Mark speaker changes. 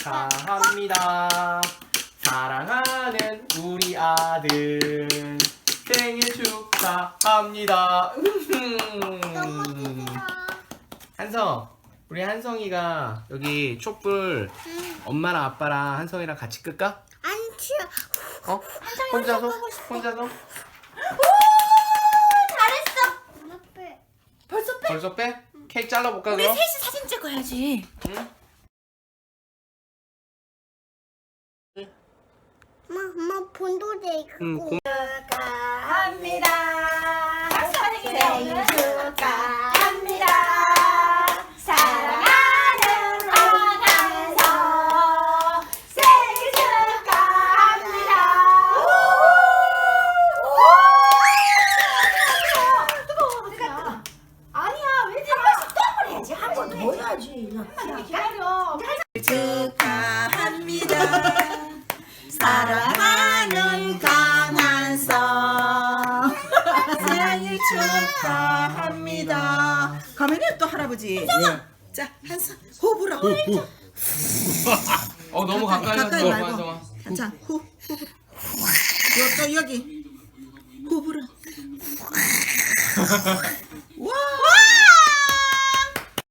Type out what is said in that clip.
Speaker 1: 축하합니다. 사랑하는 우리 아들 생일 축하합니다. 한성, 우리 한성이가 여기 촛불 엄마랑 아빠랑 한성이랑 같이 끌까?
Speaker 2: 안 치워.
Speaker 1: 어? 혼자서? 혼자서?
Speaker 3: 오, 잘했어. 벌써 빼?
Speaker 1: 벌써 빼? 케이크 잘라볼까
Speaker 3: 우리
Speaker 1: 그럼?
Speaker 3: 셋이 사진 찍어야지.
Speaker 1: 응?
Speaker 2: 엄마 본도대
Speaker 1: 응,
Speaker 2: 있고.
Speaker 3: 축하합니다. 생일 축하합니다. 사랑하는 한한성 생일 축하합니다. 뜨거워. 아니야, 왜 한 번씩 또 해야지. 한 번 더 해야지. 기다려.
Speaker 4: 축하합니다. 사랑하는 강한성 생일 축하합니다. 가면은 또 할아버지. 네. 자, 한성 호흡 불어.
Speaker 1: 너무 가까이 가서
Speaker 4: 가까이
Speaker 1: 너무
Speaker 4: 말고.
Speaker 1: 한성아.
Speaker 4: 자, 호. 또 여기. 호흡 불어.